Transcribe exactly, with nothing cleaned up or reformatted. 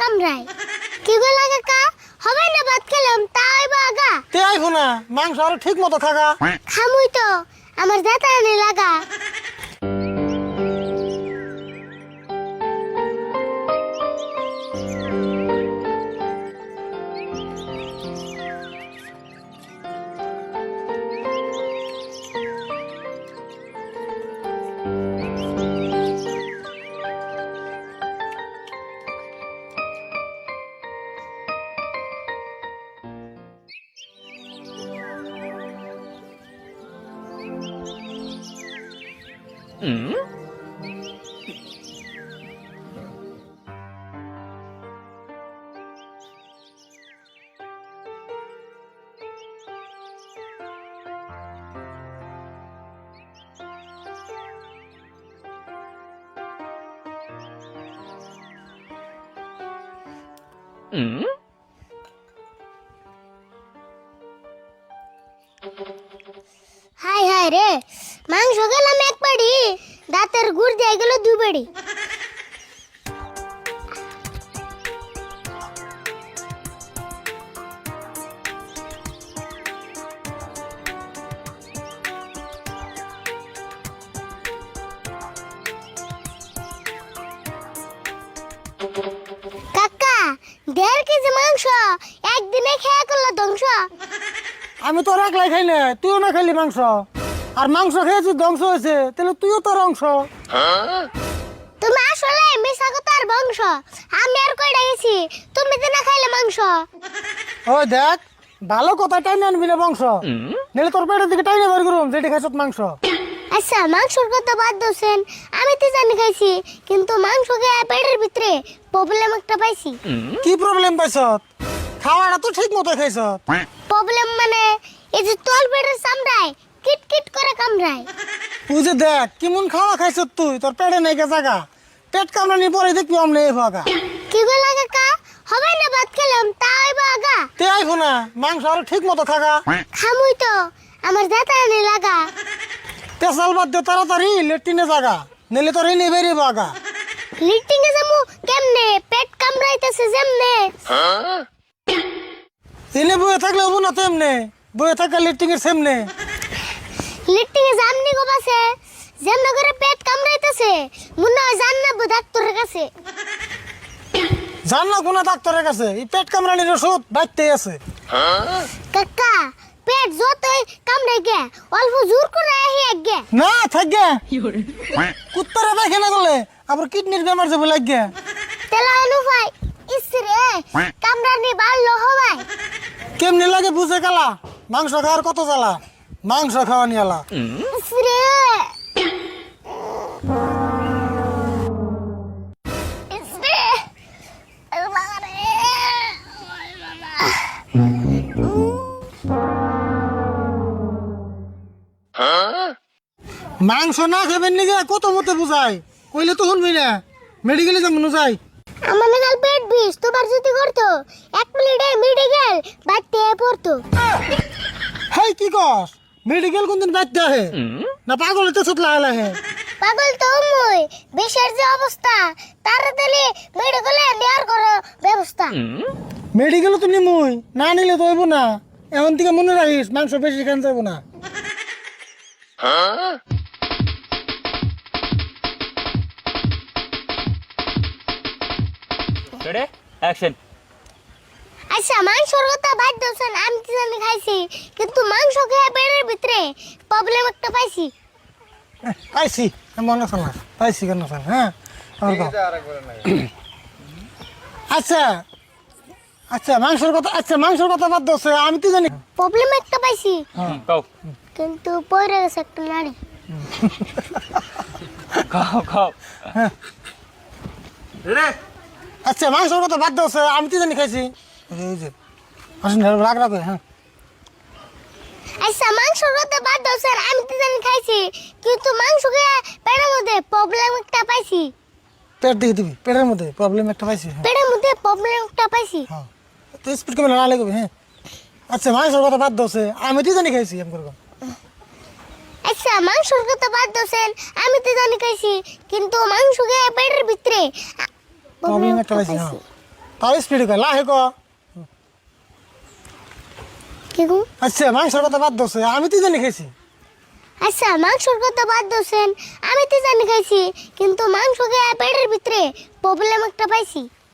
কামড়ায় কি গো লাগা কা হবে না ভাত খেলাম তাই বাগা তে আইবো না মাংস আর ঠিক মতো থাকা খামুই তো আমার দাতা নে লাগা হাই হাই রে মাংস খেলাম এক বাড়ি দাঁতের গুড় দিয়ে গেল দুই বাড়ি কাকা দেড় কেজি মাংস একদিনে খেয়ে করলো ধ্বংস আমি তো একলাই খাই না তুইও না খাইলি মাংস আর মাংস খেয়েছি ধ্বংস হয়েছে তাহলে তুইও তোর অংশ তুমি আসলে মিশা কথার বংশ আমি আর কইডা গেছি তুমি তো না খাইলে মাংস ওই দেখ ভালো কথা টাইনে আনবি না বংশ নাহলে তোর পেটের দিকে টাইনে বের করুম যেটি খাইছত মাংস আচ্ছা মাংসর কথা বাদ দোছেন আমি তো জানি খাইছি কিন্তু মাংস খেয়ে পেটের ভিতরে প্রবলেম একটা পাইছি কি প্রবলেম পাইছত খাওয়াটা তো ঠিক মতো খাইছত প্রবলেম মানে এই যে তল পেটের চামড়ায় কিট কিট করে কামড়ায় তুই যে দেখ কেমন খাওয়া খাইছত তুই তোর পেটে নাই গে জায়গা পেট কামড়ানি পরে দেখবি অমনে এই ভাগা কি গো লাগা কা হবে না ভাত খেলাম তাই বাগা তে আইবো না মাংস আর ঠিক মতো থাকা খামুই তো আমার দাতা নে লাগা তেসাল বাদ দে তাড়াতাড়ি লেট্রিনে জায়গা নিলে তোর এনে বেরিয়ে বাগা লিটিং এ যামু কেমনে পেট কামড়াইতেছে যেমনে এনে বয়ে থাকলে হবো না তেমনে বয়ে থাকা লেট্রিং এর সামনে লিটিং এ জামনি গো বাসে যেমনে করে পেট কামড়াইতেছে মনে হয় জান্নাত ডাক্তারের কাছে জান না কোন ডাক্তারের কাছে এই পেট কামড়ানির ওষুধ বাইতেই আছে কাকা পেট যতই কামড়াই গে অল্প জোর করে আহি আগে না থাকগে কুত্তারে পায়খানা করলে আবার কিডনির বেমার যাবে লাগে তেলা আলু ভাই ইসরে কামড়ানি বাড়লো হবাই কেমনি লাগে বুঝে কালা মাংস খাওয়ার কত জ্বালা মাংস খাওয়া নিয়ালা ইসরে ইসরে বাবারে মাংস না খাবেন নিগে কত মতে বুঝাই কইলে তো শুনবি না মেডিকেলে যাবো না যাই আমার নাগাল পেট বিষ তোমার যদি করতো এক মিনিটে মেডিকেল বাড়তে পড়তো হেই কি কস মেডিকেল কোনদিন বাইতে আহে না পাগল তো ছুট লাগা হে পাগল তো মুই বিষের যে অবস্থা তাড়াতাড়ি মেডিকেলে নেয়ার করো ব্যবস্থা মেডিকেল তো নিমুই না নিলে তো হইব না এখন থেকে মনে রাখিস মাংস বেশি খান যাবো না রেডি অ্যাকশন আচ্ছা মাংসর কথা বাদ দোছেন আমি তো জানি খাইছি কিন্তু মাংস খেয়ে পেটের ভিতরে প্রবলেম একটা পাইছি পাইছি মনে আছে না পাইছি কেন স্যার হ্যাঁ আবার কও। আচ্ছা আচ্ছা মাংসের কথা আচ্ছা মাংসের কথা বাদ দোছে আমি তো জানি প্রবলেম একটা পাইছি কও কিন্তু পড়ে গেছে একটা নাড়ি কও কও আচ্ছা মাংসের কথা বাদ দোছে আমি তো জানি খাইছি এই যে আসেন রাগ রাগ হ্যাঁ আচ্ছা মাংসর কথা বাদ দোছেন আমি তো জানি খাইছি কিন্তু মাংস খেয়ে পেটের মধ্যে প্রবলেম একটা পাইছি পেট দিয়ে দিবি পেটের মধ্যে প্রবলেম একটা পাইছি হ্যাঁ পেটের মধ্যে প্রবলেম একটা পাইছি হ্যাঁ তো স্পিড কমে না লাগবে হ্যাঁ আচ্ছা মাংসের কথা বাদ দোছে আমি তো জানি খাইছি এম করবো আচ্ছা মাংসর কথা বাদ দোছেন আমি তো জানি খাইছি কিন্তু মাংস খেয়ে পেটের ভিতরে প্রবলেম একটা পাইছি হ্যাঁ তাও স্পিড কয় লাহে ক। কি গো? আচ্ছা মাংসের কথা বাদ দছে আমি তো জানি খাইছি। আচ্ছা মাংসর কথা বাদ দিয়েছেন, আমি তো জানি খাইছি, কিন্তু মাংস খেয়ে পেটের ভিতরে প্রবলেম একটা পাইছি।